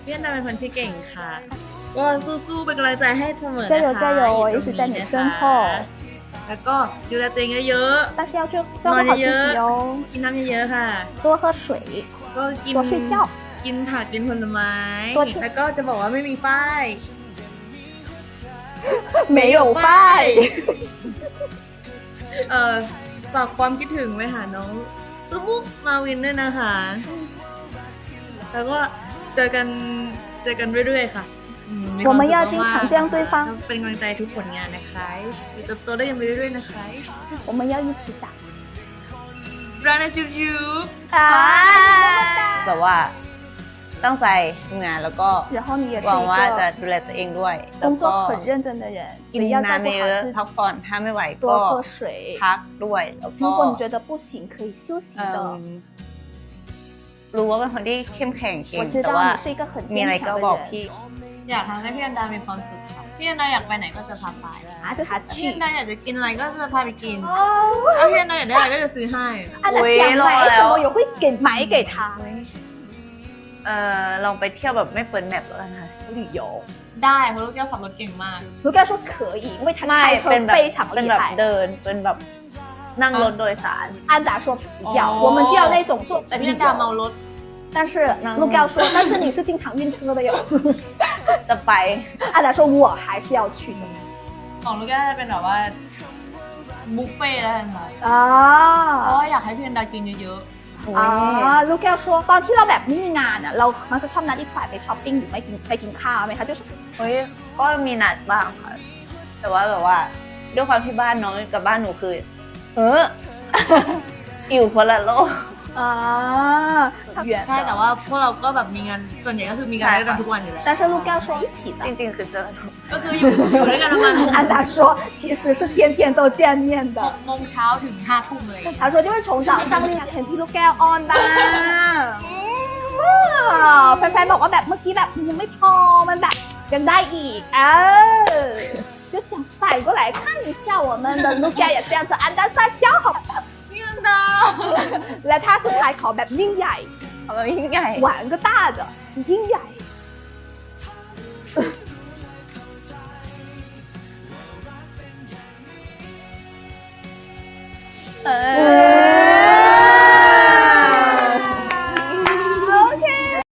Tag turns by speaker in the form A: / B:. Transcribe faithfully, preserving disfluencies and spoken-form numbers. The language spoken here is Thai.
A: พี่อันดาเป็นคนที่เก่งค่ะก็สู้ๆเป็นกำลังใจให้เสมอนะคะ
B: 加油加油我一直在你身后
A: แล้วก็ดูแลตัวเองเยอะ
B: 但是要照照顾好自己哦
A: ๆกินน้ำเยอะๆค่ะ
B: 多喝水
A: ก็กิน
B: 多睡觉
A: กินผักกินผลไม้แล้วก็จะบอกว่าไม่มีฝ้าย
B: 没有ฝ้าย
A: เอ่อฝากความคิดถึงไว้หาน้องซุมุกมาวินด้วยนะคะแล้วก็เจอกันเจอกันเรื่อยๆค่ะ
B: 我们要经常这样对方
A: เป็นกำลังใจทุกผลงานนะคะเติบโตได้ยังไปเรื่อยๆนะคะ
B: 我们要一起打
A: รักนะจูจู
C: แบบว่าตั้งใจทำงานแล้วก็หวังว่าจะดูแลตัวเองด้วยแล้วก็กินน้ำเยอะพักผ่อนถ้าไม่ไหวก็พักด้วยแล้วก็รู้ว่าเป็นคนที่เข้มแข็งเก่งแต่ว่ามีอะไรก็บอกพี่
A: อยากทำให้พี่อันดามีความสุขค่ะพี่อันดาอยากไปไหนก็จะพาไปพี่อันดาอยากจะกินอะไรก็จะพาไปกินถ้าพี่อันดาอยากได้อะไรก็จะซื้อให้
B: อันดา想买什么也会给买给他
C: เอ่อลองไปเที่ยวแบบไม่เปิดแมปแล้วกันค่ะ旅游
A: ได้เพราะลูกแก้วขับรถเก่งมาก
B: ลูกแก้ว说可以因为他开车非常
C: 厉害เดินเป็นแบบนั่งรถโดยสาร
B: 安达说不要我们就要那种坐
A: แต่พี่อันดาเมารถ
B: 但是陆ก้说但是你是经常晕车的哟
C: จะไป
B: 安达说我还是要去的
A: ของลูกแก้วจะเป็นแบบว่าบุฟเฟ่ต์แล้วกันค่ะเพราะว่าอยากให้พี่อันดากินเยอะ
B: อ๋อลูกแก้ว说ตอนที่เราแบบไม่มีงานอ่ะเรามักจะชอบนัดอีกฝ่ายไปช้อปปิ้งหรือไม่กินไปกินข้าวไหมคะ就是
C: เฮ้ยก็มีนัดบ้างค่ะแต่ว่าแบบว่าด้วยความที่บ้านน้องกับบ้านหนูคือเอออยู่คนละโลก
B: อ่า
A: ใช่แต่ว่าพวกเราก็แบบมีงานส่วนใหญ่ก็คือมีงานด้วยกันทุกวันอยู่แล้ว
B: 但是陆ก้说一起的
C: จริงๆคือเจอ
A: ก็คืออยู่อยู่ด้วยกันประมาณ
B: 安达说其实是天天都见面的
A: หกโมงเช้าถึงห้าทุ่มเลย
B: 他说就是从早上เนี่ยเห็นพี่ลูกแก้วออนบ้างแฟนๆบอกว่าแบบเมื่อกี้แบบยังไม่พอมันแบบยังได้อีกเออ就想反过来看一下我们的ลูกแก้ว也这样子安达撒娇好และถ้าสุดท้ายขอแบบยิ่งใหญ่
C: ขอแบบยิ่งใหญ่
B: หวานก็ต้า的ยิ่งใหญ่